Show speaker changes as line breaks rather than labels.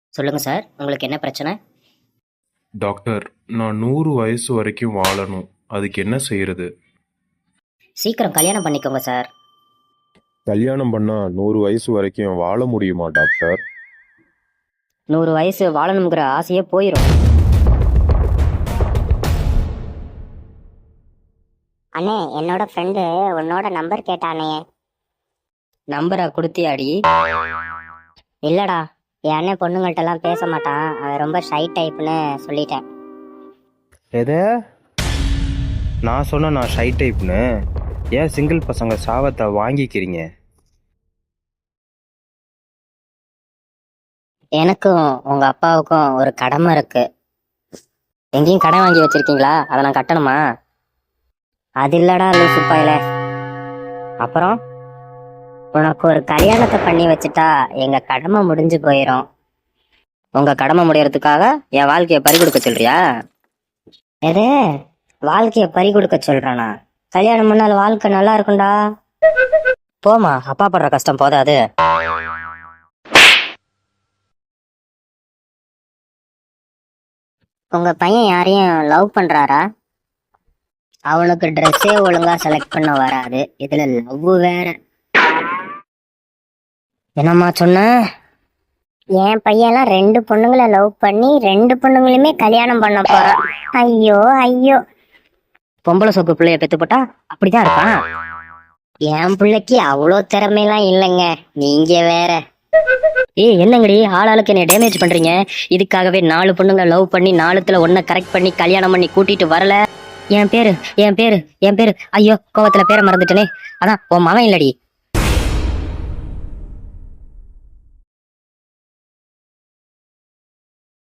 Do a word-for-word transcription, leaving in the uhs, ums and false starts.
சொல்லுங்க சார், உங்களுக்கு என்ன பிரச்சனை?
டாக்டர், நான் நூறு வயசு வரைக்கும் வாழணும். அதுக்கு என்ன செய்யறது?
சீக்கிரம் கல்யாணம் பண்ணிக்கோங்க சார்.
கல்யாணம் பண்ணா நூறு வயசு வரைக்கும் வாழ முடியுமா டாக்டர்?
நூறு வயசு வாழணுங்கிற ஆசையே போயிடும்.
அண்ணே, என்னோட ஃப்ரெண்டு உன்னோட நம்பர் கேட்டானே.
நம்பரை கொடுத்தியாடி?
இல்லடா, என் அண்ணன் பொண்ணுங்கள்ட்ட எல்லாம் பேச மாட்டான், அவன் ரொம்ப ஷை டைப்னு சொல்லிட்டேன்.
எது? நான் சொன்ன நான் ஷை டைப்னு? ஏன் சிங்கிள் பசங்க சாபத்தை வாங்கிக்கிறீங்க?
எனக்கும் உங்க அப்பாவுக்கும் ஒரு கடமை இருக்கு. எங்கேயும் கடன் வாங்கி வச்சிருக்கீங்களா? அதை நான் கட்டணுமா?
அது இல்லடா லூசு பயல.
அப்புறம்
உனக்கு ஒரு கல்யாணத்தை பண்ணி வச்சுட்டா எங்க கடமை முடிஞ்சு போயிடும்.
உங்க கடமை முடியறதுக்காக என் வாழ்க்கையை பறி கொடுக்க சொல்றியா?
எது? வாழ்க்கைய பறி கொடுக்க சொல்றானா? கல்யாணம் பண்ணால் வாழ்க்கை நல்லா இருக்கும்டா.
போமா, அப்பா படுற கஷ்டம் போதாது.
உங்க பையன் யாரையும் லவ் பண்றாரா? அவனுக்கு ட்ரெஸ்ஸே ஒழுங்கா செலக்ட் பண்ண வராது, இதுல லவ் வேற.
என்னம்மா சொன்ன?
என் பையன்லாம் ரெண்டு பொண்ணுங்களை லவ் பண்ணி ரெண்டு பொண்ணுங்களுமே கல்யாணம் பண்ண போறான். ஐயோ ஐயோ.
பொம்பளை சோப்பு பிள்ளைய பெத்து போட்டா அப்படிதான் இருப்பான்.
என் பிள்ளைக்கு அவ்வளோ திறமையெல்லாம் இல்லைங்க, நீங்க வேற.
ஏய், என்னங்கடி ஆளாளுக்கு என்னை டேமேஜ் பண்றீங்க? இதுக்காகவே நாலு பொண்ணுங்க லவ் பண்ணி நாலுத்துல ஒன்ன கரெக்ட் பண்ணி கல்யாணம் பண்ணி கூட்டிட்டு வரல. என் பேரு என் பேரு என் பேரு ஐயோ, கோவத்துல பேரை மறந்துட்டனே. அதான் உன் மகன் இல்லடி,